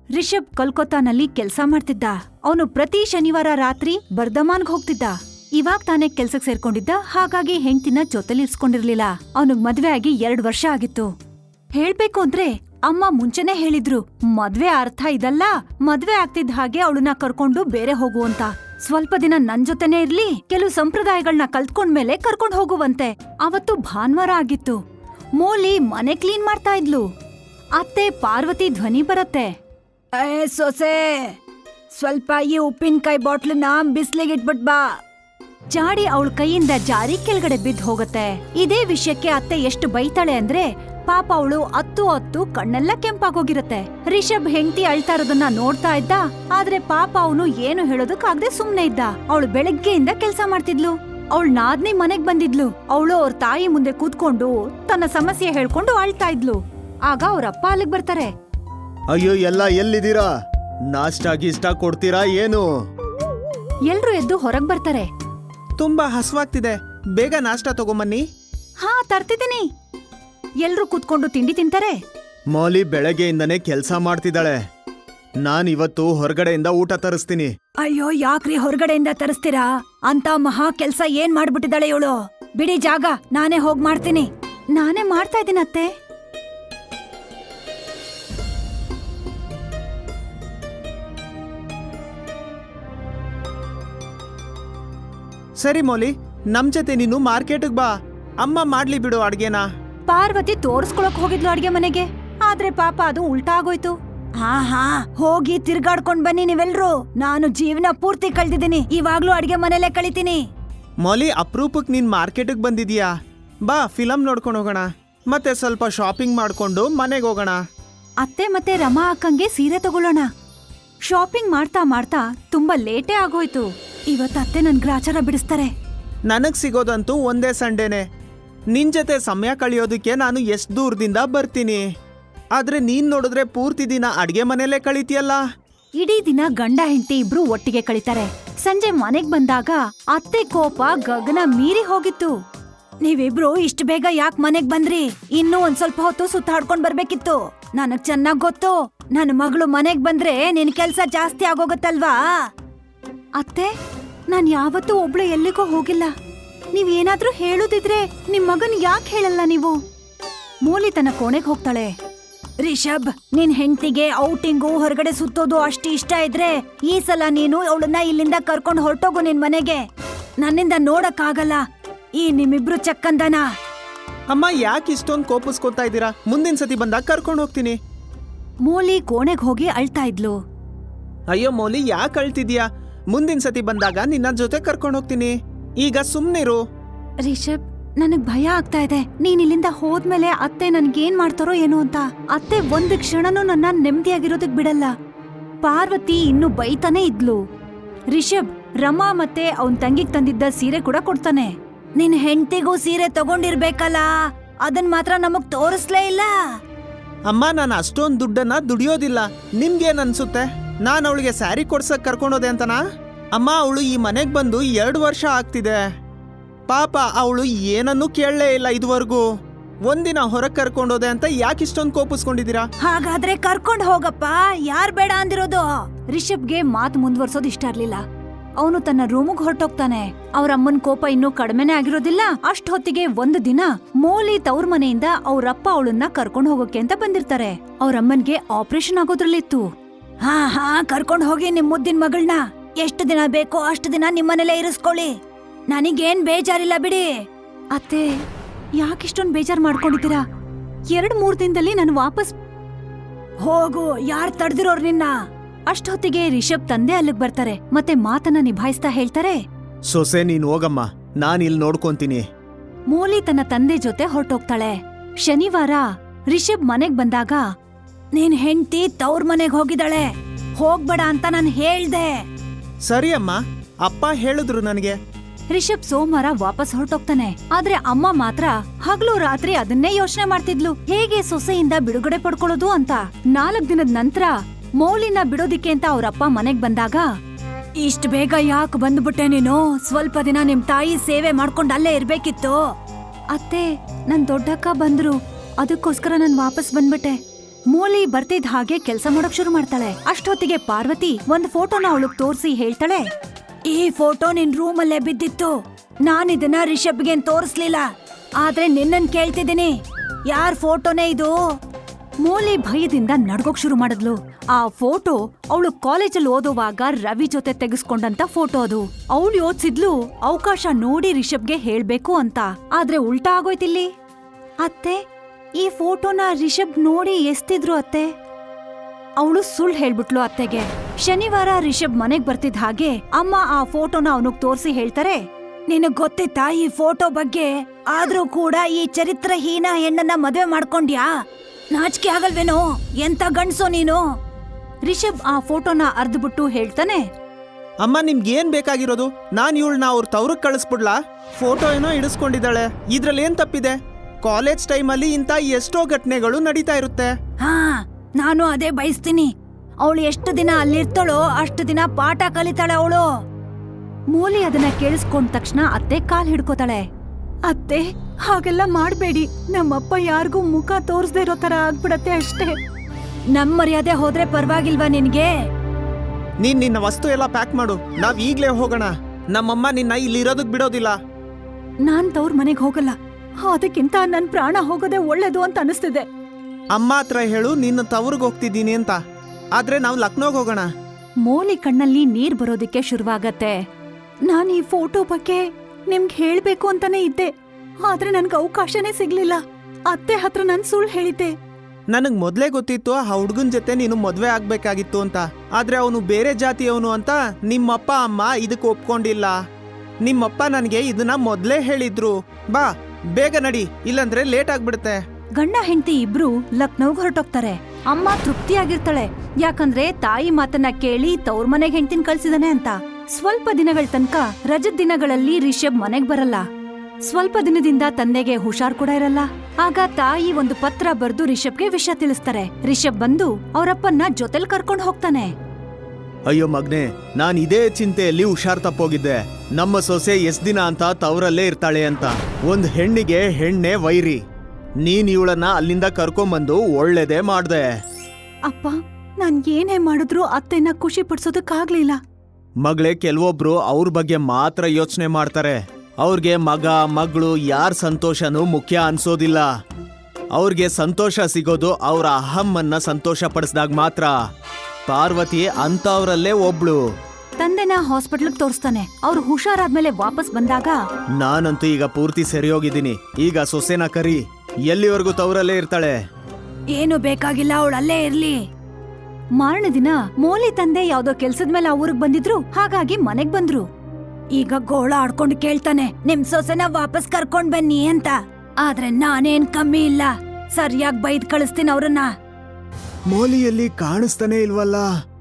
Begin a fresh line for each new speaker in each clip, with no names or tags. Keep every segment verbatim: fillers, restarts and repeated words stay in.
ರಿಷಬ್ ಕೋಲ್ಕತ್ತಾನಲ್ಲಿ ಕೆಲ್ಸ ಮಾಡ್ತಿದ್ದ. ಅವನು ಪ್ರತಿ ಶನಿವಾರ ರಾತ್ರಿ ಬರ್ಧಮಾನ್ಗ್ ಹೋಗ್ತಿದ್ದ. ಇವಾಗ ತಾನೇ ಕೆಲ್ಸಕ್ ಸೇರ್ಕೊಂಡಿದ್ದ, ಹಾಗಾಗಿ ಹೆಂಡ್ತಿನ ಜೊತೆಲಿರ್ಸ್ಕೊಂಡಿರ್ಲಿಲ್ಲ. ಅವನಿಗ್ ಮದ್ವೆ ಆಗಿ ಎರಡ್ ವರ್ಷ ಆಗಿತ್ತು. ಹೇಳ್ಬೇಕು ಅಂದ್ರೆ ಅಮ್ಮ ಮುಂಚೆನೆ ಹೇಳಿದ್ರು, ಮದ್ವೆ ಅರ್ಥ ಇದಲ್ಲ, ಮದ್ವೆ ಆಗ್ತಿದ್ದ ಹಾಗೆ ಅವಳನ್ನ ಕರ್ಕೊಂಡು ಬೇರೆ ಹೋಗು ಅಂತ. ಸ್ವಲ್ಪ ದಿನ ನನ್ ಜೊತೆನೇ ಇರ್ಲಿ, ಕೆಲವು ಸಂಪ್ರದಾಯಗಳನ್ನ ಕಲ್ತ್ಕೊಂಡ್ಮೇಲೆ ಕರ್ಕೊಂಡ್ ಹೋಗುವಂತೆ. ಅವತ್ತು ಭಾನುವಾರ ಆಗಿತ್ತು. ಮೋಲಿ ಮನೆ ಕ್ಲೀನ್ ಮಾಡ್ತಾ ಇದ್ಲು. ಅತ್ತೆ ಪಾರ್ವತಿ ಧ್ವನಿ ಬರತ್ತೆ, ಏ ಸೊಸೆ, ಸ್ವಲ್ಪ ಈ ಉಪ್ಪಿನಕಾಯಿ ಬಾಟ್ಲನ್ನ ಬಿಸ್ಲಿಗಿಟ್ಬಿಟ್ ಬಾ. ಜಾಡಿ ಅವಳ ಕೈಯಿಂದ ಜಾರಿ ಕೆಳಗಡೆ ಬಿದ್ದು ಹೋಗತ್ತೆ. ಇದೇ ವಿಷಯಕ್ಕೆ ಅತ್ತೆ ಎಷ್ಟು ಬೈತಾಳೆ ಅಂದ್ರೆ ಪಾಪ ಅವಳು ಹತ್ತು ಹತ್ತು ಕಣ್ಣೆಲ್ಲ ಕೆಂಪಾಗೋಗಿರತ್ತೆ. ರಿಷಬ್ ಹೆಂಡತಿ ಅಳ್ತಾ ಇರೋದನ್ನ ನೋಡ್ತಾ ಇದ್ದ, ಆದ್ರೆ ಪಾಪ ಅವನು ಏನು ಹೇಳೋದಕ್ಕಾಗದೆ ಸುಮ್ನೆ ಇದ್ದ. ಅವಳು ಬೆಳಗ್ಗೆಯಿಂದ ಕೆಲ್ಸ ಮಾಡ್ತಿದ್ಲು. ಅವಳು ನಾದ್ನಿ ಮನೆಗ್ ಬಂದಿದ್ಲು. ಅವಳು ಅವ್ರ ತಾಯಿ ಮುಂದೆ ಕೂತ್ಕೊಂಡು ತನ್ನ ಸಮಸ್ಯೆ ಹೇಳ್ಕೊಂಡು ಅಳ್ತಾ ಇದ್ಲು. ಆಗ ಅವ್ರಪ್ಪ ಅಲ್ಲಿಗ್ ಬರ್ತಾರೆ.
ಅಯ್ಯೋ, ಎಲ್ಲ ಎಲ್ಲಿದ್ದೀರಾ? ನಾಷ್ಟಾ ಗೀಷ್ಟ ಕೊಡ್ತೀರಾ ಏನು?
ಎಲ್ರು ಎದ್ದು ಹೊರಗ್ ಬರ್ತಾರೆ.
ತುಂಬಾ ಹಸುವಾಗ್ತಿದೆ, ಬೇಗ ನಾಷ್ಟಾ ತಗೊಂಬನ್ನಿ.
ಹಾ, ತರ್ತಿದ್ದೀನಿ. ಎಲ್ರು ಕೂತ್ಕೊಂಡು ತಿಂಡಿ ತಿಂತಾರೆ.
ಮೌಲಿ ಬೆಳಗ್ಗೆಯಿಂದನೇ ಕೆಲ್ಸ ಮಾಡ್ತಿದ್ದಾಳೆ. ನಾನ್ ಇವತ್ತು ಹೊರಗಡೆಯಿಂದ ಊಟ ತರಿಸ್ತೀನಿ.
ಅಯ್ಯೋ, ಯಾಕ್ರಿ ಹೊರಗಡೆಯಿಂದ ತರಿಸ್ತೀರಾ? ಅಂತ ಮಹಾ ಕೆಲ್ಸ ಏನ್ ಮಾಡ್ಬಿಟ್ಟಿದ್ದಾಳೆ ಇವಳು. ಬಿಡಿ ಜಾಗ, ನಾನೇ ಹೋಗ್ ಮಾಡ್ತೀನಿ. ನಾನೇ ಮಾಡ್ತಾ ಇದ್ದೀನಿ ಅತ್ತೆ.
ಸರಿ ಮೌಲಿ, ನಮ್ ಜೊತೆ ನೀನು ಮಾರ್ಕೆಟ್ಗ್ ಬಾ. ಅಮ್ಮ ಮಾಡ್ಲಿ ಬಿಡು ಅಡ್ಗೆನ.
ಪಾರ್ವತಿ ತೋರ್ಸ್ಕೊಳಕ್ ಹೋಗಿದ್ಲು ಅಡ್ಗೆ ಮನೆಗೆ, ಆದ್ರೆ ಪಾಪ ಅದು ಉಲ್ಟಾ ಆಗೋಯ್ತು. ಹಾ ಹಾ ಹೋಗಿ ತಿರ್ಗಾಡ್ಕೊಂಡ್ ಬನ್ನಿ ನೀವೆಲ್ರು. ನಾನು ಜೀವನ ಪೂರ್ತಿ ಕಳ್ದಿದ್ದೀನಿ, ಇವಾಗ್ಲೂ ಅಡ್ಗೆ ಮನೆಯಲ್ಲೇ ಕಳಿತೀನಿ.
ಮೌಲಿ, ಅಪ್ರೂಪಕ್ ನೀನ್ ಮಾರ್ಕೆಟ್ಗ್ ಬಂದಿದೀಯಾ? ಬಾ, ಫಿಲಮ್ ನೋಡ್ಕೊಂಡು ಹೋಗೋಣ, ಮತ್ತೆ ಸ್ವಲ್ಪ ಶಾಪಿಂಗ್ ಮಾಡ್ಕೊಂಡು ಮನೆಗೆ ಹೋಗೋಣ.
ಅತ್ತೆ ಮತ್ತೆ ರಮಾ ಅಕ್ಕಂಗೆ ಸೀರೆ ತಗೊಳ್ಳೋಣ. ಶಾಪಿಂಗ್ ಮಾಡ್ತಾ ಮಾಡ್ತಾ ತುಂಬಾ ಲೇಟೇ ಆಗೋಯ್ತು. ಇವತ್ತು ಅತ್ತೆ ನನ್ ಗ್ರಾಚಾರ ಬಿಡಿಸ್ತಾರೆ.
ನನಗ್ ಸಿಗೋದಂತೂ ಒಂದೇ ಸಂಡೇನೆ. ನಿನ್ ಜೊತೆ ಸಮಯ ಕಳಿಯೋದಕ್ಕೆ ನಾನು ಎಷ್ಟ್ ದೂರದಿಂದ ಬರ್ತೀನಿ. ಆದ್ರೆ ನೀನ್ ನೋಡಿದ್ರೆ ಪೂರ್ತಿ ದಿನ ಅಡ್ಗೆ ಮನೆಯಲ್ಲೇ ಕಳೀತಿಯಲ್ಲ.
ಇಡೀ ದಿನ ಗಂಡ ಹೆಂಡತಿ ಇಬ್ರು ಒಟ್ಟಿಗೆ ಕಳೀತಾರೆ. ಸಂಜೆ ಮನೆಗ್ ಬಂದಾಗ ಅತ್ತೆ ಕೋಪ ಗಗನ ಮೀರಿ ಹೋಗಿತ್ತು. ನೀವಿಬ್ರು ಇಷ್ಟು ಬೇಗ ಯಾಕೆ ಮನೆಗ್ ಬಂದ್ರಿ? ಇನ್ನೂ ಒಂದ್ ಸ್ವಲ್ಪ ಹೊತ್ತು ಸುತ್ತಾಡ್ಕೊಂಡ್ ಬರ್ಬೇಕಿತ್ತು. ನನಗ್ ಚೆನ್ನಾಗ್ ಗೊತ್ತು, ನನ್ನ ಮಗಳು ಮನೆಗ್ ಬಂದ್ರೆ ನಿನ್ ಕೆಲ್ಸ ಜಾಸ್ತಿ ಆಗೋಗತ್ತಲ್ವಾ. ಅತ್ತೆ, ನಾನ್ ಯಾವತ್ತೂ ಒಬ್ಳು ಎಲ್ಲಿಗೋ ಹೋಗಿಲ್ಲ. ನೀವೇನಾದ್ರೂ ಹೇಳುದಿದ್ರೆ ನಿಮ್ ಮಗನ್ ಯಾಕೆ ಹೇಳಲ್ಲ ನೀವು? ಮೋಲಿ ತನ್ನ ಕೋಣೆಗ್ ಹೋಗ್ತಾಳೆ. ರಿಷಬ್, ನಿನ್ ಹೆಂಡತಿಗೆ ಔಟಿಂಗು ಹೊರಗಡೆ ಸುತ್ತೋದು ಅಷ್ಟು ಇಷ್ಟ ಇದ್ರೆ ಈ ಸಲ ನೀನು ಅವಳನ್ನ ಇಲ್ಲಿಂದ ಕರ್ಕೊಂಡ್ ಹೊರಟೋಗು ನಿನ್ ಮನೆಗೆ. ನನ್ನಿಂದ ನೋಡಕ್ ಆಗಲ್ಲ ಈ ನಿಮ್ಮಿಬ್ರು ಚಕ್ಕಂದನ.
ಅಮ್ಮ, ಯಾಕೆ ಇಷ್ಟೊಂದು ಕೋಪಿಸ್ಕೊತಾ ಇದ್ದೀರಾ? ಮುಂದಿನ ಸತಿ ಬಂದಾಗ ಕರ್ಕೊಂಡು ಹೋಗ್ತೀನಿ.
ಮೋಲಿ ಕೋಣೆಗ್ ಹೋಗಿ ಅಳ್ತಾ ಇದ್ಲು.
ಅಯ್ಯೋ ಮೌಲಿ, ಯಾಕೆ ಅಳ್ತಿದ್ಯಾ? ಮುಂದಿನ ಸತಿ ಬಂದಾಗ ನಿನ್ನ ಜೊತೆ ಕರ್ಕೊಂಡು ಹೋಗ್ತೀನಿ. ಈಗ ಸುಮ್ನಿರು.
ರಿಷಬ್, ನನಗ್ ಭಯ ಆಗ್ತಾ ಇದೆ. ನೀನ್ ಇಲ್ಲಿಂದ ಹೋದ್ಮೇಲೆ ಅತ್ತೆ ನನ್ಗೇನ್ ಮಾಡ್ತಾರೋ ಏನೋ ಅಂತ. ಅತ್ತೆ ಒಂದ್ ಕ್ಷಣನೂ ನನ್ನ ನೆಮ್ಮದಿಯಾಗಿರೋದಕ್ ಬಿಡಲ್ಲ. ಪಾರ್ವತಿ ಇನ್ನು ಬೈತಾನೆ ಇದ್ಲು. ರಿಷಬ್ ರಮಾ ಮತ್ತೆ ಅವನ್ ತಂಗಿಗ್ ತಂದಿದ್ದ ಸೀರೆ ಕೂಡ ಕೊಡ್ತಾನೆ. ನಿನ್ ಹೆಂಡತಿಗೂ ಸೀರೆ ತಗೊಂಡಿರ್ಬೇಕಲ್ಲ, ಅದನ್ ಮಾತ್ರ ನಮಗ್ ತೋರಿಸ್ಲೇ ಇಲ್ಲ.
ಅಮ್ಮ, ನಾನು ಅಷ್ಟೊಂದು ದುಡ್ಡನ್ನ ದುಡಿಯೋದಿಲ್ಲ. ನಿಮ್ಗೇನ್ ಅನ್ಸುತ್ತೆ? ನಾನು ಅವಳಿಗೆ ಸ್ಯಾರಿ ಕೊಡ್ಸಕ್ ಕರ್ಕೊಂಡೋದೆ ಅಂತನಾ? ಅಮ್ಮ, ಅವಳು ಈ ಮನೆಗ್ ಬಂದು ಎರಡು ವರ್ಷ ಆಗ್ತಿದೆ. ಪಾಪ ಅವಳು ಏನನ್ನೂ ಕೇಳಲೇ ಇಲ್ಲ ಇದುವರೆಗೂ. ಒಂದಿನ ಹೊರಗ್ ಕರ್ಕೊಂಡೋದೆ ಅಂತ ಯಾಕೆ ಇಷ್ಟೊಂದು ಕೋಪಿಸ್ಕೊಂಡಿದ್ದೀರಾ?
ಹಾಗಾದ್ರೆ ಕರ್ಕೊಂಡ್ ಹೋಗಪ್ಪ, ಯಾರ್ ಬೇಡ ಅಂದಿರೋದು? ರಿಷಬ್ಗೆ ಮಾತು ಮುಂದುವರ್ಸೋದ್ ಇಷ್ಟ ಇರ್ಲಿಲ್ಲ. ಅವನು ತನ್ನ ರೂಮಿಗೆ ಹೊರಟೋಗ್ತಾನೆ. ಅವ್ರ ಅಮ್ಮನ್ ಕೋಪ ಇನ್ನೂ ಕಡಿಮೆನೆ ಆಗಿರೋದಿಲ್ಲ. ಅಷ್ಟ್ ಹೊತ್ತಿಗೆ ಒಂದು ದಿನ ಮೋಲಿ ತವ್ರ ಮನೆಯಿಂದ ಅವ್ರಪ್ಪ ಅವಳನ್ನ ಕರ್ಕೊಂಡ್ ಹೋಗೋಕೆ ಅಂತ ಬಂದಿರ್ತಾರೆ. ಅವ್ರಮ್ಮನ್ಗೆ ಆಪರೇಷನ್ ಆಗೋದ್ರಲ್ಲಿತ್ತು. ಹಾ ಹಾ ಕರ್ಕೊಂಡ್ ಹೋಗಿ ನಿಮ್ ಮುದ್ದಿನ ಮಗಳನ್ನ. ಎಷ್ಟು ದಿನ ಬೇಕೋ ಅಷ್ಟು ದಿನ ನಿಮ್ಮನೆಲ್ಲೇ ಇರಿಸ್ಕೊಳ್ಳಿ. ನನಗೇನ್ ಬೇಜಾರಿಲ್ಲ ಬಿಡಿ. ಅತ್ತೆ, ಯಾಕಿಷ್ಟೊಂದ್ ಬೇಜಾರ್ ಮಾಡ್ಕೊಂಡಿದ್ದೀರಾ? ಎರಡ್ ಮೂರ್ ದಿನದಲ್ಲಿ ನಾನು ವಾಪಸ್ ಹೋಗು. ಯಾರ್ ತಡ್ದಿರೋರ್ ನಿನ್ನ? ಅಷ್ಟೊತ್ತಿಗೆ ರಿಷಬ್ ತಂದೆ ಅಲ್ಲಿಗ್ ಬರ್ತಾರೆ ಮತ್ತೆ ಮಾತನ್ನ ನಿಭಾಯಿಸ್ತಾ ಹೇಳ್ತಾರೆ,
ಸೊಸೆ, ನೀನ್ ಹೋಗಮ್ಮ, ನಾನ್ ಇಲ್ಲಿ ನೋಡ್ಕೊಂತೀನಿ.
ಮೋಲಿ ತನ್ನ ತಂದೆ ಜೊತೆ ಹೊರಟೋಗ್ತಾಳೆ. ಶನಿವಾರ ರಿಷಬ್ ಮನೆಗ್ ಬಂದಾಗ, ನೀನ್ ಹೆಂಡ್ತಿ ತವ್ರ ಮನೆಗ್ ಹೋಗಿದ್ದಾಳೆ, ಹೋಗ್ಬೇಡ ಅಂತ ನಾನ್ ಹೇಳ್ದೆ.
ಸರಿ ಅಮ್ಮ, ಅಪ್ಪ ಹೇಳಿದ್ರು ನನಗೆ.
ರಿಷಬ್ ಸೋಮವಾರ ವಾಪಸ್ ಹೊರಟೋಗ್ತಾನೆ. ಆದ್ರೆ ಅಮ್ಮ ಮಾತ್ರ ಹಗಲು ರಾತ್ರಿ ಅದನ್ನೇ ಯೋಚನೆ ಮಾಡ್ತಿದ್ಲು, ಹೇಗೆ ಸೊಸೆಯಿಂದ ಬಿಡುಗಡೆ ಪಡ್ಕೊಳ್ಳೋದು ಅಂತ. ನಾಲ್ಕ್ ದಿನದ ನಂತರ ಮೌಲಿನ ಬಿಡೋದಿಕ್ಕೆ ಅಂತ ಅವ್ರಪ್ಪ ಮನೆಗ್ ಬಂದಾಗ, ಇಷ್ಟ ಬೇಗ ಯಾಕೆ ಬಂದ್ಬಿಟ್ಟೆ ನೀನು? ಸ್ವಲ್ಪ ದಿನ ನಿಮ್ ತಾಯಿ ಸೇವೆ ಮಾಡ್ಕೊಂಡ್ ಅಲ್ಲೇ ಇರ್ಬೇಕಿತ್ತು. ಅತ್ತೆ, ನನ್ ದೊಡ್ಡಕ್ಕ ಬಂದ್ರು, ಅದಕ್ಕೋಸ್ಕರ ನಾನ್ ವಾಪಸ್ ಬಂದ್ಬಿಟ್ಟೆ. ಮೋಲಿ ಬರ್ತಿದ್ ಹಾಗೆ ಕೆಲ್ಸ ಮಾಡಕ್ ಶುರು ಮಾಡ್ತಾಳೆ. ಅಷ್ಟೊತ್ತಿಗೆ ಪಾರ್ವತಿ ಒಂದ್ ಫೋಟೋನ ಅವಳಗ್ ತೋರ್ಸಿ ಹೇಳ್ತಾಳೆ, ಈ ಫೋಟೋ ನಿನ್ ರೂಮಲ್ಲೇ ಬಿದ್ದಿತ್ತು. ನಾನಿದನ್ನ ರಿಷಬ್ಗೆ ತೋರಿಸ್ಲಿಲ್ಲ, ಆದ್ರೆ ನಿನ್ನನ್ ಕೇಳ್ತಿದ್ದೀನಿ, ಯಾರ್ ಫೋಟೋನೇ ಇದು? ಮೋಲಿ ಭಯದಿಂದ ನಡ್ಗೋಕ್ ಶುರು ಮಾಡಿದ್ಲು. ಆ ಫೋಟೋ ಅವಳು ಕಾಲೇಜಲ್ಲಿ ಓದುವಾಗ ರವಿ ಜೊತೆ ತೆಗೆಸ್ಕೊಂಡಂತ ಫೋಟೋ ಅದು. ಅವಳು ಯೋಚಿಸಿದ್ಲು ಅವಕಾಶ ನೋಡಿ ರಿಷಬ್ಗೆ ಹೇಳ್ಬೇಕು ಅಂತ. ಆದ್ರೆ ಉಲ್ಟಾ ಆಗೋಯ್ತಿಲ್ಲಿ. ಅತ್ತೆ, ಈ ಫೋಟೋನ ರಿಷಬ್ ನೋಡಿ ಎಸ್ತಿದ್ರು ಅತ್ತೆ. ಅವಳು ಸುಳ್ಳು ಹೇಳ್ಬಿಟ್ಲು ಅತ್ತೆಗೆ. ಶನಿವಾರ ರಿಷಬ್ ಮನೆಗ್ ಬರ್ತಿದ್ ಹಾಗೆ ಅಮ್ಮ ಆ ಫೋಟೋನ ಅವನಿಗ್ ತೋರ್ಸಿ ಹೇಳ್ತಾರೆ, ನಿನಗ್ ಗೊತ್ತಿತ್ತಾ ಈ ಫೋಟೋ ಬಗ್ಗೆ? ಆದ್ರೂ ಕೂಡ ಈ ಚರಿತ್ರಹೀನ ಹೆಣ್ಣನ್ನ ಮದ್ವೆ ಮಾಡ್ಕೊಂಡ್ಯಾ? ನಾಚಿಕೆ ಆಗಲ್ವೇನೋ? ಎಂತ ಗಂಡ್ಸೋ ನೀನು? ರಿಷಬ್ ಆ ಫೋಟೋನ ಅರ್ದ್ಬಿಟ್ಟು ಹೇಳ್ತಾನೆ,
ಅಮ್ಮ ನಿಮ್ಗೆ ಏನ್ ಬೇಕಾಗಿರೋದು? ನಾನ್ ಇವಳನ್ನ ಅವ್ರ ತವ್ರಕ್ ಕಳಿಸ್ಬಿಡ್ಲಾ? ಫೋಟೋ ಏನೋ ಇಡಿಸ್ಕೊಂಡಿದ್ದಾಳೆ, ಇದ್ರಲ್ಲಿ ಏನ್ ತಪ್ಪಿದೆ? ಕಾಲೇಜ್ ಟೈಮಲ್ಲಿ ಇಂಥ ಎಷ್ಟೋ ಘಟನೆಗಳು ನಡೀತಾ ಇರುತ್ತೆ.
ಹಾ, ನಾನು ಅದೇ ಬಯಸ್ತೀನಿ. ಅವಳು ಎಷ್ಟು ದಿನ ಅಲ್ಲಿರ್ತಾಳೋ ಅಷ್ಟು ದಿನ ಪಾಠ ಕಲಿತಾಳೆ ಅವಳು. ಮೂಲಿ ಅದನ್ನ ಕೇಳಿಸ್ಕೊಂಡ ತಕ್ಷಣ ಅತ್ತೆ ಕಾಲ್ ಹಿಡ್ಕೋತಾಳೆ. ಅತ್ತೆ, ಹಾಗೆಲ್ಲ ಮಾಡ್ಬೇಡಿ. ನಮ್ಮಪ್ಪ ಯಾರಿಗೂ ಮುಖ ತೋರಿಸದೇ ಇರೋ ತರ ಆಗ್ಬಿಡತ್ತೆ ಅಷ್ಟೇ. ನಮ್ ಮರ್ಯಾದೆ ಹೋದ್ರೆ ಪರವಾಗಿಲ್ವಾ ನಿನ್ಗೆ?
ನೀನ್ ನಿನ್ನ ವಸ್ತು ಎಲ್ಲ ಪ್ಯಾಕ್ ಮಾಡು, ನಾವ್ ಈಗ್ಲೇ ಹೋಗೋಣ. ನಮ್ಮಮ್ಮ ನಿನ್ನ ಇಲ್ಲಿ ಇರೋದಕ್ ಬಿಡೋದಿಲ್ಲ.
ನಾನ್ ತವ್ರ ಮನೆಗ್ ಹೋಗಲ್ಲ. ಅದಕ್ಕಿಂತ ನನ್ ಪ್ರಾಣ ಹೋಗೋದೇ ಒಳ್ಳೇದು ಅಂತ ಅನಿಸ್ತಿದೆ.
ಅಮ್ಮ ಹತ್ರ ಹೇಳು ನಿನ್ನ ತವ್ರಿಗೆ ಹೋಗ್ತಿದ್ದೀನಿ ಅಂತ. ಆದ್ರೆ ನಾವು ಲಕ್ನೋಗ್ ಹೋಗೋಣ.
ಮೋಲಿ ಕಣ್ಣಲ್ಲಿ ನೀರ್ ಬರೋದಿಕ್ಕೆ ಶುರುವಾಗತ್ತೆ. ನಾನ್ ಈ ಫೋಟೋ ಬಗ್ಗೆ ನಿಮ್ಗೆ ಹೇಳ್ಬೇಕು ಅಂತಾನೆ ಇದ್ದೆ, ಆದ್ರೆ ನನ್ಗೆ ಅವಕಾಶನೇ ಸಿಗ್ಲಿಲ್ಲ. ಅತ್ತೆ ಹತ್ರ ನನ್ ಸುಳ್ಳು ಹೇಳಿದ್ದೆ.
ನನಗ್ ಮೊದ್ಲೇ ಗೊತ್ತಿತ್ತು ಆ ಹುಡ್ಗನ್ ಜೊತೆ ನೀನು ಮದ್ವೆ ಆಗ್ಬೇಕಾಗಿತ್ತು ಅಂತ. ಆದ್ರೆ ಅವನು ಬೇರೆ ಜಾತಿಯವನು ಅಂತ ನಿಮ್ಮಪ್ಪ ಅಮ್ಮ ಇದಕ್ ಒಪ್ಕೊಂಡಿಲ್ಲ. ನಿಮ್ಮಪ್ಪ ನನ್ಗೆ ಇದನ್ನ ಮೊದ್ಲೇ ಹೇಳಿದ್ರು. ಬಾ ಬೇಗ ನಡಿ, ಇಲ್ಲಂದ್ರೆ ಲೇಟ್ ಆಗ್ಬಿಡುತ್ತೆ.
ಗಂಡ ಹೆಂಡತಿ ಇಬ್ರು ಲಕ್ನೋಗ್ ಹೊರಟೋಗ್ತಾರೆ. ಅಮ್ಮ ತೃಪ್ತಿಯಾಗಿರ್ತಾಳೆ, ಯಾಕಂದ್ರೆ ತಾಯಿ ಮಾತನ್ನ ಕೇಳಿ ತವ್ರ ಮನೆಗ್ ಹೆಂಡತಿನ ಕಳ್ಸಿದಾನೆ ಅಂತ. ಸ್ವಲ್ಪ ದಿನಗಳ ತನಕ ರಜದ ದಿನಗಳಲ್ಲಿ ರಿಷಬ್ ಮನೆಗ್ ಬರಲ್ಲ. ಸ್ವಲ್ಪ ದಿನದಿಂದ ತಂದೆಗೆ ಹುಷಾರ್ ಕೂಡ ಇರಲ್ಲ. ಆಗ ತಾಯಿ ಒಂದು ಪತ್ರ ಬರ್ದು ರಿಷಬ್ಗೆ ವಿಷಯ ತಿಳಿಸ್ತಾರೆ. ರಿಷಬ್ ಬಂದು ಅವರಪ್ಪನ್ನ ಜೊತೆಲ್ ಕರ್ಕೊಂಡ್ ಹೋಗ್ತಾನೆ.
ಅಯ್ಯೋ ಮಗ್ನೆ, ನಾನ್ ಇದೇ ಚಿಂತೆಯಲ್ಲಿ ಹುಷಾರ್ ತಪ್ಪೋಗಿದ್ದೆ. ನಮ್ಮ ಸೊಸೆ ಎಷ್ಟ್ ದಿನ ಅಂತ ತವರಲ್ಲೇ ಇರ್ತಾಳೆ ಅಂತ. ಒಂದ್ ಹೆಣ್ಣಿಗೆ ಹೆಣ್ಣೆ ವೈರಿ. ನೀನ್ ಇವಳನ್ನ ಅಲ್ಲಿಂದ ಕರ್ಕೊಂಬಂದು ಒಳ್ಳೇದೇ ಮಾಡ್ದೆ.
ಅಪ್ಪ, ನಾನ್ ಏನೇ ಮಾಡಿದ್ರು ಅತ್ತೆನ ಖುಷಿ ಪಡ್ಸೋದಕ್ಕಾಗ್ಲಿಲ್ಲ.
ಮಗಳೇ, ಕೆಲವೊಬ್ರು ಅವ್ರ ಬಗ್ಗೆ ಮಾತ್ರ ಯೋಚನೆ ಮಾಡ್ತಾರೆ. ಅವ್ರಿಗೆ ಮಗ ಮಗಳು ಯಾರ ಸಂತೋಷನೂ ಮುಖ್ಯ ಅನ್ಸೋದಿಲ್ಲ. ಅವ್ರಿಗೆ ಸಂತೋಷ ಸಿಗೋದು ಅವ್ರ ಅಹಮ್ಮನ್ನ ಸಂತೋಷ ಪಡಿಸ್ದಾಗ ಮಾತ್ರ. ಪಾರ್ವತಿ ಅಂತವ್ರಲ್ಲೇ ಒಬ್ಳು.
ತಂದೆನ ಹಾಸ್ಪಿಟ್ಲ್ಗ್ ತೋರಿಸ್ತಾನೆ. ಅವ್ರು ಹುಷಾರಾದ್ಮೇಲೆ ವಾಪಸ್ ಬಂದಾಗ,
ನಾನಂತೂ ಈಗ ಪೂರ್ತಿ ಸರಿ ಹೋಗಿದ್ದೀನಿ. ಈಗ ಸೊಸೆನ ಕರಿ, ಎಲ್ಲಿವರೆಗೂ ತವರಲ್ಲೇ ಇರ್ತಾಳೆ.
ಏನು ಬೇಕಾಗಿಲ್ಲ, ಅವಳಲ್ಲೇ ಇರ್ಲಿ. ಮಾರನೇ ದಿನ ಮೋಲಿ ತಂದೆ ಯಾವ್ದೋ ಕೆಲ್ಸದ ಮೇಲೆ ಆ ಊರಿಗೆ ಬಂದಿದ್ರು. ಹಾಗಾಗಿ ಮನೆಗ್ ಬಂದ್ರು. ಈಗ ಗೋಳ ಆಡ್ಕೊಂಡು ಕೇಳ್ತಾನೆ, ನಿಮ್ ಸೊಸೆನ ವಾಪಸ್ ಕರ್ಕೊಂಡ್ ಬನ್ನಿ ಅಂತ. ಆದ್ರೆ ನಾನೇನ್ ಕಮ್ಮಿ ಇಲ್ಲ, ಸರಿಯಾಗಿ ಬೈದ್ ಕಳಿಸ್ತೀನಿ ಅವ್ರನ್ನ.
ಮೋಲಿಯಲ್ಲಿ ಕಾಣಿಸ್ತಾನೆ ಇಲ್ವಲ್ಲ?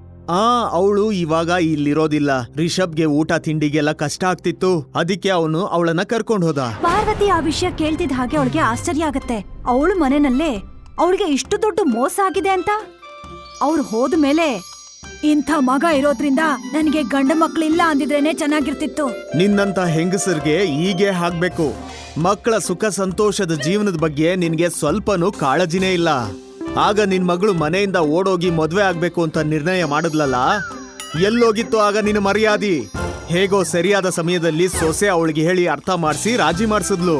ಆ ಅವಳು ಇವಾಗ ಇಲ್ಲಿರೋದಿಲ್ಲ. ರಿಷಬ್ಗೆ ಊಟ ತಿಂಡಿಗೆಲ್ಲ ಕಷ್ಟ ಆಗ್ತಿತ್ತು, ಅದಕ್ಕೆ ಅವನು ಅವಳನ್ನ ಕರ್ಕೊಂಡ್ ಹೋದ.
ಪಾರ್ವತಿ ಆ ವಿಷಯ ಕೇಳ್ತಿದ್ ಹಾಗೆ ಅವಳಿಗೆ ಆಶ್ಚರ್ಯ ಆಗತ್ತೆ. ಅವಳು ಮನೆನಲ್ಲೇ ಅವಳಿಗೆ ಇಷ್ಟು ದೊಡ್ಡ ಮೋಸ ಆಗಿದೆ ಅಂತ. ಅವ್ರು ಹೋದ್ಮೇಲೆ, ಇಂಥ ಮಗ ಇರೋದ್ರಿಂದ ನನಗೆ ಗಂಡ ಮಕ್ಳಿಲ್ಲ ಅಂದಿದ್ರೇನೆ ಚೆನ್ನಾಗಿರ್ತಿತ್ತು.
ನಿನ್ನಂತ ಹೆಂಗಸರ್ಗೆ ಹೀಗೆ ಆಗ್ಬೇಕು. ಮಕ್ಕಳ ಸುಖ ಸಂತೋಷದ ಜೀವನದ ಬಗ್ಗೆ ನಿನ್ಗೆ ಸ್ವಲ್ಪನೂ ಕಾಳಜಿನೇ ಇಲ್ಲ. ಆಗ ನಿನ್ ಮಗಳು ಮನೆಯಿಂದ ಓಡೋಗಿ ಮದ್ವೆ ಆಗ್ಬೇಕು ಅಂತ ನಿರ್ಣಯ ಮಾಡಿದ್ಲಲ್ಲ, ಎಲ್ಲೋಗಿತ್ತು ಆಗ ನಿನ್ನ ಮರ್ಯಾದಿ? ಹೇಗೋ ಸರಿಯಾದ ಸಮಯದಲ್ಲಿ ಸೊಸೆ ಅವಳಿಗೆ ಹೇಳಿ ಅರ್ಥ ಮಾಡಿಸಿ ರಾಜಿ ಮಾಡಿಸಿದ್ಲು.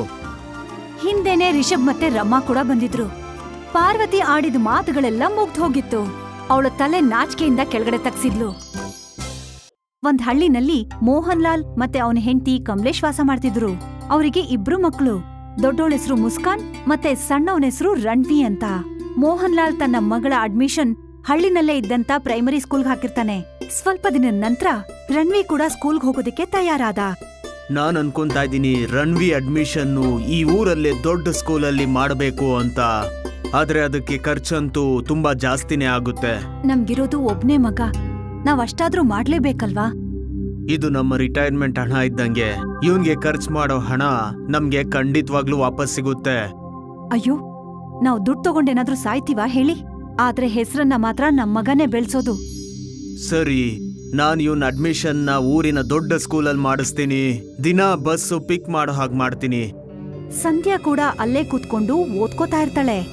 ಹಿಂದೆನೆ ರಿಷಬ್ ಮತ್ತೆ ರಮಾ ಕೂಡ ಬಂದಿದ್ರು. ಪಾರ್ವತಿ ಆಡಿದ ಮಾತುಗಳೆಲ್ಲ ಮುಗ್ದು ಹೋಗಿತ್ತು. ಅವಳ ತಲೆ ನಾಚಿಕೆಯಿಂದ ಕೆಳಗಡೆ ತಗ್ಸಿದ್ಲು. ಒಂದ್ ಹಳ್ಳಿನಲ್ಲಿ ಮೋಹನ್ ಲಾಲ್ ಮತ್ತೆ ಅವನ ಹೆಂಡತಿ ಕಮಲೇಶ್ ವಾಸ ಮಾಡ್ತಿದ್ರು. ಅವರಿಗೆ ಇಬ್ರು ಮಕ್ಕಳು. ದೊಡ್ಡೋಳ ಹೆಸರು ಮುಸ್ಕಾನ್ ಮತ್ತೆ ಸಣ್ಣವನ ಹೆಸರು ರಣವಿ ಅಂತ. ಮೋಹನ್ ಲಾಲ್ ತನ್ನ ಮಗಳ ಅಡ್ಮಿಷನ್ ಹಳ್ಳಿನಲ್ಲೇ ಇದ್ದಂತ ಪ್ರೈಮರಿ ಸ್ಕೂಲ್ಗೆ ಹಾಕಿರ್ತಾನೆ. ಸ್ವಲ್ಪ ದಿನದ ನಂತರ ರಣವಿ ಕೂಡ ಸ್ಕೂಲ್ಗೆ ಹೋಗೋದಕ್ಕೆ ತಯಾರಾದ.
ನಾನ್ ಅನ್ಕೊಂತಾ ಇದ್ದೀನಿ ರಣವಿ ಅಡ್ಮಿಷನ್ನು ಈ ಊರಲ್ಲೇ ದೊಡ್ಡ ಸ್ಕೂಲಲ್ಲಿ ಮಾಡಬೇಕು ಅಂತ. ಆದ್ರೆ ಅದಕ್ಕೆ ಖರ್ಚಂತೂ ತುಂಬಾ ಜಾಸ್ತಿನೇ ಆಗುತ್ತೆ.
ನಮ್ಗಿರೋದು ಒಬ್ನೇ ಮಗ, ನಾವ್ ಅಷ್ಟಾದ್ರೂ ಮಾಡ್ಲೇಬೇಕಲ್ವಾ?
ಇದು ನಮ್ಮ ರಿಟೈರ್ಮೆಂಟ್ ಹಣ ಇದ್ದಂಗೆ. ಇವನ್ಗೆ ಖರ್ಚು ಮಾಡೋ ಹಣ ನಮ್ಗೆ ಖಂಡಿತವಾಗ್ಲೂ ವಾಪಸ್ ಸಿಗುತ್ತೆ.
ಅಯ್ಯೋ, ನಾವ್ ದುಡ್ಡು ತಗೊಂಡೇನಾದ್ರೂ ಸಾಯ್ತೀವ ಹೇಳಿ? ಆದ್ರೆ ಹೆಸರನ್ನ ಮಾತ್ರ ನಮ್ ಮಗನೇ ಬೆಳ್ಸೋದು.
ಸರಿ, ನಾನ್ ಇವನ್ ಅಡ್ಮಿಷನ್ ನ ಊರಿನ ದೊಡ್ಡ ಸ್ಕೂಲಲ್ಲಿ ಮಾಡಿಸ್ತೀನಿ. ದಿನ ಬಸ್ಸು ಪಿಕ್ ಮಾಡೋ ಹಾಗೆ ಮಾಡ್ತೀನಿ.
ಸಂಧ್ಯಾ ಕೂಡ ಅಲ್ಲೇ ಕೂತ್ಕೊಂಡು ಓದ್ಕೋತಾ ಇರ್ತಾಳೆ.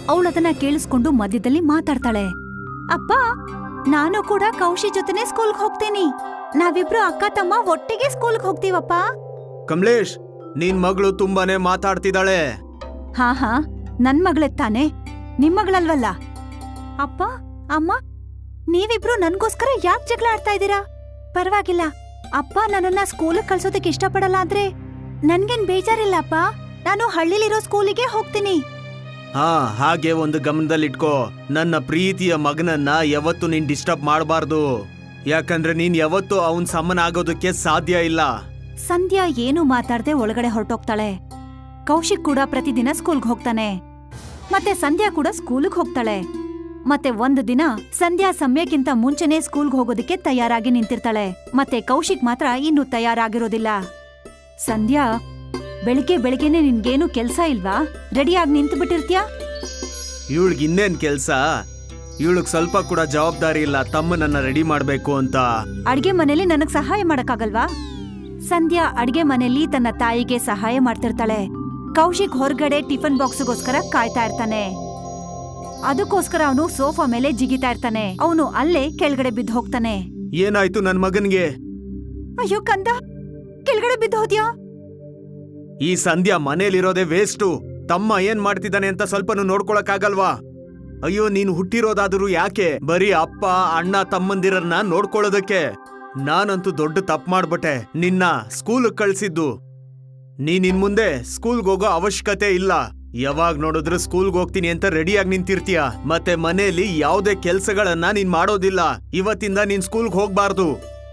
ಅವಳದನ್ನ ಕೇಳಿಸ್ಕೊಂಡು ಮಧ್ಯದಲ್ಲಿ ಮಾತಾಡ್ತಾಳೆ. ಅಪ್ಪ, ನಾನು ಕೂಡ ಕೌಶಿ ಜೊತೆನೆ ಸ್ಕೂಲ್ಗೆ ಹೋಗ್ತೀನಿ. ನಾವಿಬ್ರು ಅಕ್ಕ ತಮ್ಮ ಒಟ್ಟಿಗೆ ಸ್ಕೂಲ್ಗೆ ಹೋಗ್ತೀವಪ್ಪ.
ಕಮಲೇಶ್, ನಿನ್ ಮಗಳು ತುಂಬಾನೇ ಮಾತಾಡ್ತಿದ್ದಾಳೆ.
ಹಾ ಹಾ ನನ್ ಮಗಳೇ ತಾನೆ, ನಿಮ್ ಮಗಳಲ್ವಲ್ಲ. ಅಪ್ಪ ಅಮ್ಮ, ನೀವಿಬ್ರು ನನ್ಗೋಸ್ಕರ ಯಾಕೆ ಜಗಳ ಆಡ್ತಾ ಇದ್ದೀರಾ? ಪರವಾಗಿಲ್ಲ, ಅಪ್ಪ ನನ್ನನ್ನ ಸ್ಕೂಲಿಗೆ ಕಳ್ಸೋದಕ್ಕೆ ಇಷ್ಟಪಡಲ್ಲ ಆದ್ರೆ ನನ್ಗೇನ್ ಬೇಜಾರಿಲ್ಲ ಅಪ್ಪ. ನಾನು ಹಳ್ಳಿಲಿರೋ ಸ್ಕೂಲಿಗೆ ಹೋಗ್ತೀನಿ.
ಹಾ, ಹಾಗೆ ಒಂದು ಗಮನದಲ್ಲಿಟ್ಕೋ, ನನ್ನ ಪ್ರೀತಿಯ ಮಗನನ್ನ ಯಾವತ್ತು ನೀನ್ ಡಿಸ್ಟರ್ಬ್ ಮಾಡಬಾರ್ದು. ಯಾಕಂದ್ರೆ ನೀನ್ ಯಾವತ್ತು ಅವನ್ ಸಮನ ಆಗೋದಕ್ಕೆ ಸಾಧ್ಯ ಇಲ್ಲ.
ಸಂಧ್ಯಾ ಏನು ಮಾತಾಡ್ದೆ ಒಳಗಡೆ ಹೊರಟೋಗ್ತಾಳೆ. ಕೌಶಿಕ್ ಕೂಡ ಪ್ರತಿದಿನ ಸ್ಕೂಲ್ಗೆ ಹೋಗ್ತಾನೆ. ಮತ್ತೆ ಸಂಧ್ಯಾ ಕೂಡ ಸ್ಕೂಲ್ಗೆ ಹೋಗ್ತಾಳೆ. ಮತ್ತೆ ಒಂದು ದಿನ ಸಂಧ್ಯಾ ಸಮಯಕ್ಕಿಂತ ಮುಂಚೆನೆ ಸ್ಕೂಲ್ಗೆ ಹೋಗೋದಕ್ಕೆ ತಯಾರಾಗಿ ನಿಂತಿರ್ತಾಳೆ. ಮತ್ತೆ ಕೌಶಿಕ್ ಮಾತ್ರ ಇನ್ನೂ ತಯಾರಾಗಿರೋದಿಲ್ಲ. ಸಂಧ್ಯಾ, ಬೆಳಿಗ್ಗೆ ಬೆಳಿಗ್ಗೆನೆ ನಿನ್ಗೇನು ಕೆಲ್ಸ ಇಲ್ವಾ? ರೆಡಿಯಾಗಿ ನಿಂತು ಬಿಟ್ಟಿರ್ತ್ಯಾ?
ಇವಳಿಗೆ ಇನ್ನೇನ್ ಕೆಲ್ಸ? ಇವಳಿಗೆ ಸ್ವಲ್ಪ ಕೂಡ ಜವಾಬ್ದಾರಿ ಇಲ್ಲ ತಮ್ಮನನ್ನ ರೆಡಿ ಮಾಡ್ಬೇಕು ಅಂತ.
ಅಡ್ಗೆ ಮನೇಲಿ ನನಗ್ ಸಹಾಯ ಮಾಡಕ್ಕಾಗಲ್ವಾ? ಸಂಧ್ಯಾ ಅಡ್ಗೆ ಮನೇಲಿ ತನ್ನ ತಾಯಿಗೆ ಸಹಾಯ ಮಾಡ್ತಿರ್ತಾಳೆ. ಕೌಶಿಕ್ ಹೊರಗಡೆ ಟಿಫನ್ ಬಾಕ್ಸ್ಗೋಸ್ಕರ ಕಾಯ್ತಾ ಇರ್ತಾನೆ. ಅದಕ್ಕೋಸ್ಕರ ಅವನು ಸೋಫಾ ಮೇಲೆ ಜಿಗಿತಾ ಇರ್ತಾನೆ. ಅವನು ಅಲ್ಲೇ ಕೆಳಗಡೆ ಬಿದ್ದು ಹೋಗ್ತಾನೆ.
ಏನಾಯ್ತು ನನ್ ಮಗನ್ಗೆ?
ಅಯ್ಯೋ ಕಂದ, ಕೆಳಗಡೆ ಬಿದ್ದು ಹೋದ್ಯಾ?
ಈ ಸಂಧ್ಯಾ ಮನೇಲಿರೋದೇ ವೇಸ್ಟು. ತಮ್ಮ ಏನ್ ಮಾಡ್ತಿದ್ದಾನೆ ಅಂತ ಸ್ವಲ್ಪನೂ ನೋಡ್ಕೊಳಕ್ಕಾಗಲ್ವಾ? ಅಯ್ಯೋ, ನೀನು ಹುಟ್ಟಿರೋದಾದ್ರೂ ಯಾಕೆ ಬರೀ ಅಪ್ಪ ಅಣ್ಣ ತಮ್ಮಂದಿರನ್ನ ನೋಡ್ಕೊಳ್ಳೋದಕ್ಕೆ? ನಾನಂತೂ ದೊಡ್ಡ ತಪ್ಪು ಮಾಡ್ಬಿಟ್ಟೆ ನಿನ್ನ ಸ್ಕೂಲ್ ಕಳ್ಸಿದ್ದು. ನೀನ್ ಇನ್ ಮುಂದೆ ಸ್ಕೂಲ್ಗೆ ಹೋಗೋ ಅವಶ್ಯಕತೆ ಇಲ್ಲ. ಯಾವಾಗ ನೋಡಿದ್ರು ಸ್ಕೂಲ್ಗೆ ಹೋಗ್ತೀನಿ ಅಂತ ರೆಡಿಯಾಗಿ ನಿಂತಿರ್ತೀಯ. ಮತ್ತೆ ಮನೇಲಿ ಯಾವುದೇ ಕೆಲ್ಸಗಳನ್ನ ನೀನ್ ಮಾಡೋದಿಲ್ಲ. ಇವತ್ತಿಂದ ನೀನ್ ಸ್ಕೂಲ್ಗೆ ಹೋಗ್ಬಾರ್ದು.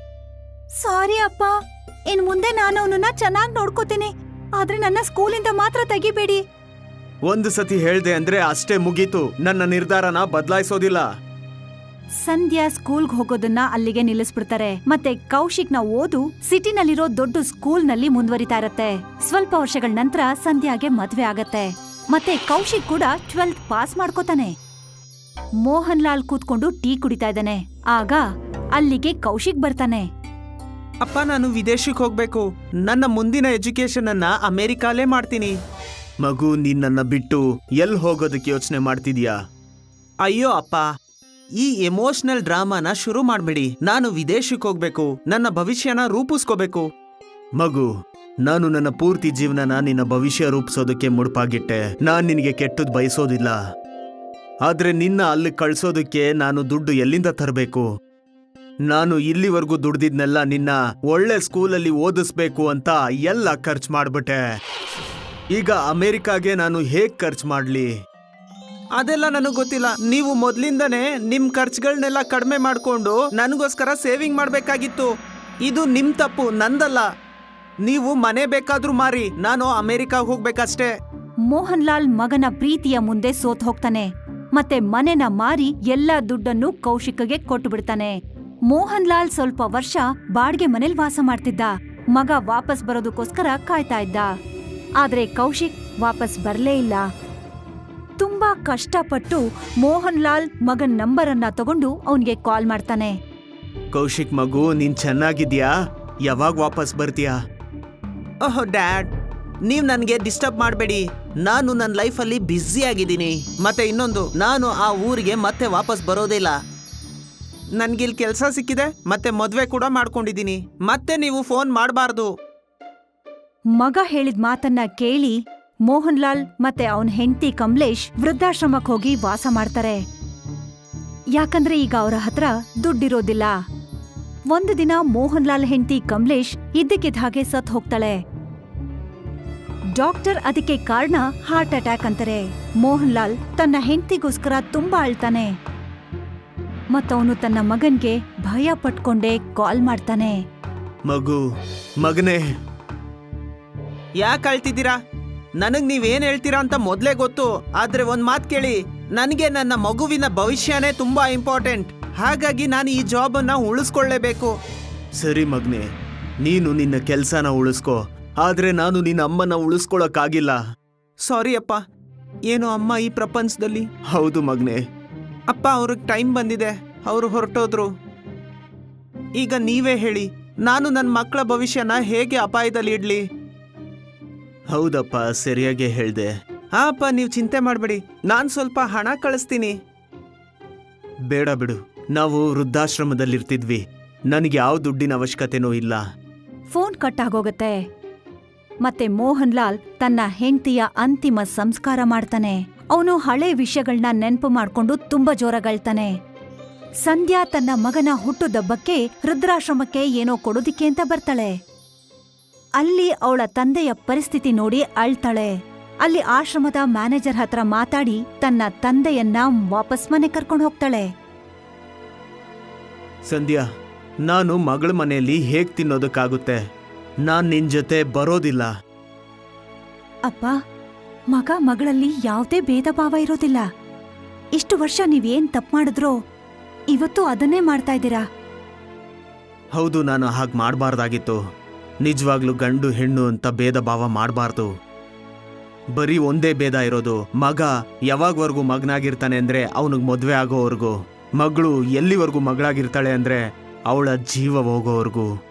ಸಾರಿ ಅಪ್ಪ, ಇನ್ ಮುಂದೆ ನಾನು ಅವನನ್ನ ಚೆನ್ನಾಗಿ ನೋಡ್ಕೋತೀನಿ. ಆದ್ರೆ ನನ್ನ ಸ್ಕೂಲಿಂದ ಮಾತ್ರ ತೆಗಿಬೇಡಿ.
ಒಂದು ಸತಿ ಹೇಳ್ದೆ ಅಂದ್ರೆ ಅಷ್ಟೇ ಮುಗೀತು. ನನ್ನ ನಿರ್ಧಾರನ ಬದಲಾಯಿಸೋದಿಲ್ಲ.
ಸಂಧ್ಯಾ ಸ್ಕೂಲ್ಗೆ ಹೋಗೋದನ್ನ ಅಲ್ಲಿಗೆ ನಿಲ್ಲಿಸ್ಬಿಡ್ತಾರೆ. ಮತ್ತೆ ಕೌಶಿಕ್ನ ಓದು ಸಿಟಿನಲ್ಲಿರೋ ದೊಡ್ಡ ಸ್ಕೂಲ್ನಲ್ಲಿ ಮುಂದುವರಿತಾ ಇರತ್ತೆ. ಸ್ವಲ್ಪ ವರ್ಷಗಳ ನಂತರ ಸಂಧ್ಯಾಗೆ ಮದ್ವೆ ಆಗತ್ತೆ. ಮತ್ತೆ ಕೌಶಿಕ್ ಕೂಡ ಟ್ವೆಲ್ತ್ ಪಾಸ್ ಮಾಡ್ಕೋತಾನೆ. ಮೋಹನ್ ಲಾಲ್ ಕೂತ್ಕೊಂಡು ಟೀ ಕುಡಿತಾ ಇದ್ದಾನೆ. ಆಗ ಅಲ್ಲಿಗೆ ಕೌಶಿಕ್ ಬರ್ತಾನೆ.
ಅಪ್ಪ, ನಾನು ವಿದೇಶಕ್ಕೆ ಹೋಗ್ಬೇಕು. ನನ್ನ ಮುಂದಿನ ಎಜುಕೇಶನ್ ಅನ್ನ ಅಮೆರಿಕಾಲೇ ಮಾಡ್ತೀನಿ.
ಮಗು, ನೀನ್ ನನ್ನ ಬಿಟ್ಟು ಎಲ್ ಹೋಗೋದಕ್ಕೆ ಯೋಚನೆ ಮಾಡ್ತಿದ್ಯಾ?
ಅಯ್ಯೋ ಅಪ್ಪ, ಈ ಎಮೋಷನಲ್ ಡ್ರಾಮಾನ ಶುರು ಮಾಡ್ಬೇಡಿ. ನಾನು ವಿದೇಶಕ್ಕೆ ಹೋಗ್ಬೇಕು. ನನ್ನ ಭವಿಷ್ಯನ ರೂಪಿಸ್ಕೋಬೇಕು.
ಮಗು, ನಾನು ನನ್ನ ಪೂರ್ತಿ ಜೀವನನ ನಿನ್ನ ಭವಿಷ್ಯ ರೂಪಿಸೋದಕ್ಕೆ ಮುಡುಪಾಗಿಟ್ಟೆ. ನಾನ್ ನಿನಗೆ ಕೆಟ್ಟದ್ ಬಯಸೋದಿಲ್ಲ. ಆದ್ರೆ ನಿನ್ನ ಅಲ್ಲಿ ಕಳ್ಸೋದಕ್ಕೆ ನಾನು ದುಡ್ಡು ಎಲ್ಲಿಂದ ತರಬೇಕು? ನಾನು ಇಲ್ಲಿವರೆಗೂ ದುಡ್ದಿದ್ನೆಲ್ಲ ನಿನ್ನ ಒಳ್ಳೆ ಸ್ಕೂಲಲ್ಲಿ ಓದಿಸ್ಬೇಕು ಅಂತ ಎಲ್ಲ ಖರ್ಚು ಮಾಡ್ಬಿಟ್ಟೆ. ಈಗ ಅಮೆರಿಕಾಗೆ ನಾನು ಹೇಗ್ ಖರ್ಚು ಮಾಡ್ಲಿ?
ಅದೆಲ್ಲ ನನಗೆ ಗೊತ್ತಿಲ್ಲ. ನೀವು ಮೊದ್ಲಿಂದನೇ ನಿಮ್ ಖರ್ಚುಗಳನ್ನೆಲ್ಲ ಕಡಿಮೆ ಮಾಡ್ಕೊಂಡು ನನಗೋಸ್ಕರ ಸೇವಿಂಗ್ ಮಾಡ್ಬೇಕಾಗಿತ್ತು. ಇದು ನಿಮ್ ತಪ್ಪು, ನಂದಲ್ಲ. ನೀವು ಮನೆ ಬೇಕಾದ್ರೂ ಮಾರಿ, ನಾನು ಅಮೆರಿಕಾಗ್ ಹೋಗ್ಬೇಕಷ್ಟೇ.
ಮೋಹನ್ ಲಾಲ್ ಮಗನ ಪ್ರೀತಿಯ ಮುಂದೆ ಸೋತ್ ಹೋಗ್ತಾನೆ. ಮತ್ತೆ ಮನೆನ ಮಾರಿ ಎಲ್ಲಾ ದುಡ್ಡನ್ನು ಕೌಶಿಕ್ಗೆ ಕೊಟ್ಟು ಬಿಡ್ತಾನೆ. ಮೋಹನ್ ಲಾಲ್ ಸ್ವಲ್ಪ ವರ್ಷ ಬಾಡ್ಗೆ ಮನೇಲಿ ವಾಸ ಮಾಡ್ತಿದ್ದ. ಮಗ ವಾಪಸ್ ಬರೋದಕ್ಕೋಸ್ಕರ ಕಾಯ್ತಾ ಇದ್ದ. ಆದ್ರೆ ಕೌಶಿಕ್ ವಾಪಸ್ ಬರ್ಲೇ ಇಲ್ಲ. ತುಂಬಾ ಕಷ್ಟಪಟ್ಟು ಮೋಹನ್ ಲಾಲ್ ಮಗನ್ ನಂಬರ್ ಅನ್ನ ತಗೊಂಡು ಅವನ್ಗೆ ಕಾಲ್ ಮಾಡ್ತಾನೆ.
ಕೌಶಿಕ್ ಮಗು, ನೀನ್ ಚೆನ್ನಾಗಿದ್ಯಾ? ಯಾವಾಗ ವಾಪಸ್ ಬರ್ತೀಯಾ?
ಓಹ್ ಡ್ಯಾಡ್, ನೀವ್ ನನ್ಗೆ ಡಿಸ್ಟರ್ಬ್ ಮಾಡಬೇಡಿ. ನಾನು ನನ್ನ ಲೈಫಲ್ಲಿ ಬ್ಯುಸಿ ಆಗಿದ್ದೀನಿ. ಮತ್ತೆ ಇನ್ನೊಂದು, ನಾನು ಆ ಊರಿಗೆ ಮತ್ತೆ ವಾಪಸ್ ಬರೋದಿಲ್ಲ. ನನ್ಗಿಲ್ ಕೆಲಸ ಸಿಕ್ಕಿದೆ, ಮತ್ತೆ ಮದ್ವೆ ಕೂಡ ಮಾಡ್ಕೊಂಡಿದ್ದೀನಿ. ಮತ್ತೆ ನೀವು ಫೋನ್ ಮಾಡಬಾರ್ದು.
ಮಗ ಹೇಳಿದ ಮಾತನ್ನ ಕೇಳಿ ಮೋಹನ್ ಲಾಲ್ ಮತ್ತೆ ಅವನ್ ಹೆಂಡತಿ ಕಮಲೇಶ್ ವೃದ್ಧಾಶ್ರಮಕ್ ಹೋಗಿ ವಾಸ ಮಾಡ್ತಾರೆ. ಯಾಕಂದ್ರೆ ಈಗ ಅವರ ಹತ್ರ ದುಡ್ಡಿರೋದಿಲ್ಲ. ಒಂದು ದಿನ ಮೋಹನ್ ಲಾಲ್ ಹೆಂಡತಿ ಕಮಲೇಶ್ ಇದ್ದಕ್ಕಿದ್ದ ಹಾಗೆ ಸತ್ ಹೋಗ್ತಾಳೆ. ಡಾಕ್ಟರ್ ಅದಕ್ಕೆ ಕಾರಣ ಹಾರ್ಟ್ ಅಟ್ಯಾಕ್ ಅಂತಾರೆ. ಮೋಹನ್ ಲಾಲ್ ತನ್ನ ಹೆಂಡತಿಗೋಸ್ಕರ ತುಂಬಾ ಅಳ್ತಾನೆ. ಮತ್ತವನು ತನ್ನ ಮಗನ್ಗೆ ಭಯ ಪಟ್ಕೊಂಡೇ ಕಾಲ್ ಮಾಡ್ತಾನೆ.
ಮಗು, ಮಗನೇ,
ಯಾಕೆ ಅಳ್ತಿದ್ದೀರಾ? ನನಗ್ ನೀವೇನ್ ಹೇಳ್ತೀರಾ ಅಂತ ಮೊದ್ಲೇ ಗೊತ್ತು. ಆದ್ರೆ ಒಂದ್ ಮಾತ್ ಕೇಳಿ, ನನಗೆ ನನ್ನ ಮಗುವಿನ ಭವಿಷ್ಯನೇ ತುಂಬಾ ಇಂಪಾರ್ಟೆಂಟ್. ಹಾಗಾಗಿ ನಾನು ಈ ಜಾಬ್ ಅನ್ನ ಉಳಿಸ್ಕೊಳ್ಳೇಬೇಕು.
ಸರಿ ಮಗನೇ, ನೀನು ನಿನ್ನ ಕೆಲ್ಸನ ಉಳಿಸ್ಕೋ. ಆದ್ರೆ ನಾನು ನಿನ್ನ ಅಮ್ಮನ ಉಳಿಸ್ಕೊಳಕ್ಕಾಗಿಲ್ಲ.
ಸಾರಿ ಅಪ್ಪ. ಏನು ಅಮ್ಮ ಈ ಪ್ರಪಂಚದಲ್ಲಿ?
ಹೌದು ಮಗನೇ.
ಅಪ್ಪ, ಅವ್ರಿಗೆ ಟೈಮ್ ಬಂದಿದೆ, ಅವರು ಹೊರಟೋದ್ರು. ಈಗ ನೀವೇ ಹೇಳಿ, ನಾನು ನನ್ನ ಮಕ್ಕಳ ಭವಿಷ್ಯನ ಹೇಗೆ ಅಪಾಯದಲ್ಲಿ ಇಡ್ಲಿ?
ಹೌದಪ್ಪ, ಸರಿಯಾಗಿ ಹೇಳ್ದೆ.
ಹಾ ಅಪ್ಪ, ನೀವು ಚಿಂತೆ ಮಾಡಬೇಡಿ, ನಾನು ಸ್ವಲ್ಪ ಹಣ ಕಳಿಸ್ತೀನಿ.
ಬೇಡ ಬಿಡು, ನಾವು ವೃದ್ಧಾಶ್ರಮದಲ್ಲಿರ್ತಿದ್ವಿ. ನನಗೆ ಯಾವ ದುಡ್ಡಿನ ಅವಶ್ಯಕತೆನೂ ಇಲ್ಲ.
ಫೋನ್ ಕಟ್ ಆಗೋಗತ್ತೆ. ಮತ್ತೆ ಮೋಹನ್ ಲಾಲ್ ತನ್ನ ಹೆಂಡತಿಯ ಅಂತಿಮ ಸಂಸ್ಕಾರ ಮಾಡ್ತಾನೆ. ಅವನು ಹಳೆ ವಿಷಯಗಳನ್ನ ನೆನ್ಪು ಮಾಡ್ಕೊಂಡು ತುಂಬಾ ಜೋರಾಗಳ್ತಾನೆ. ಸಂಧ್ಯಾ ತನ್ನ ಮಗನ ಹುಟ್ಟುದಬ್ಬಕ್ಕೆ ವೃದ್ಧಾಶ್ರಮಕ್ಕೆ ಏನೋ ಕೊಡೋದಿಕ್ಕೆ ಅಂತ ಬರ್ತಾಳೆ. ಅಲ್ಲಿ ಅವಳ ತಂದೆಯ ಪರಿಸ್ಥಿತಿ ನೋಡಿ ಅಳ್ತಾಳೆ. ಅಲ್ಲಿ ಆಶ್ರಮದ ಮ್ಯಾನೇಜರ್ ಹತ್ರ ಮಾತಾಡಿ ತನ್ನ ತಂದೆಯನ್ನ ವಾಪಸ್ ಮನೆ ಕರ್ಕೊಂಡು ಹೋಗ್ತಾಳೆ.
ಸಂಧ್ಯಾ, ನಾನು ಮಗಳ ಮನೆಯಲ್ಲಿ ಹೇಗ್ ತಿನ್ನೋದಕ್ಕಾಗುತ್ತೆ? ನಾನ್ ನಿನ್ ಜೊತೆ ಬರೋದಿಲ್ಲ.
ಅಪ್ಪ, ಮಗ ಮಗಳಲ್ಲಿ ಯಾವುದೇ ಭೇದ ಭಾವ ಇರೋದಿಲ್ಲ. ಇಷ್ಟು ವರ್ಷ ನೀವೇನ್ ತಪ್ಪು ಮಾಡಿದ್ರೋ ಇವತ್ತು ಅದನ್ನೇ ಮಾಡ್ತಾ ಇದ್ದೀರಾ.
ಹೌದು, ನಾನು ಹಾಗೆ ಮಾಡಬಾರ್ದಾಗಿತ್ತು. ನಿಜವಾಗ್ಲೂ ಗಂಡು ಹೆಣ್ಣು ಅಂತ ಭೇದ ಭಾವ ಮಾಡಬಾರ್ದು. ಬರೀ ಒಂದೇ ಭೇದ ಇರೋದು, ಮಗ ಯಾವಾಗವರೆಗೂ ಮಗನಾಗಿರ್ತಾನೆ ಅಂದ್ರೆ ಅವನಿಗೆ ಮದುವೆ ಆಗೋವರೆಗೂ, ಮಗಳು ಎಲ್ಲಿವರೆಗೂ ಮಗಳಾಗಿರ್ತಾಳೆ ಅಂದ್ರೆ ಅವಳ ಜೀವ ಹೋಗೋವರೆಗೂ.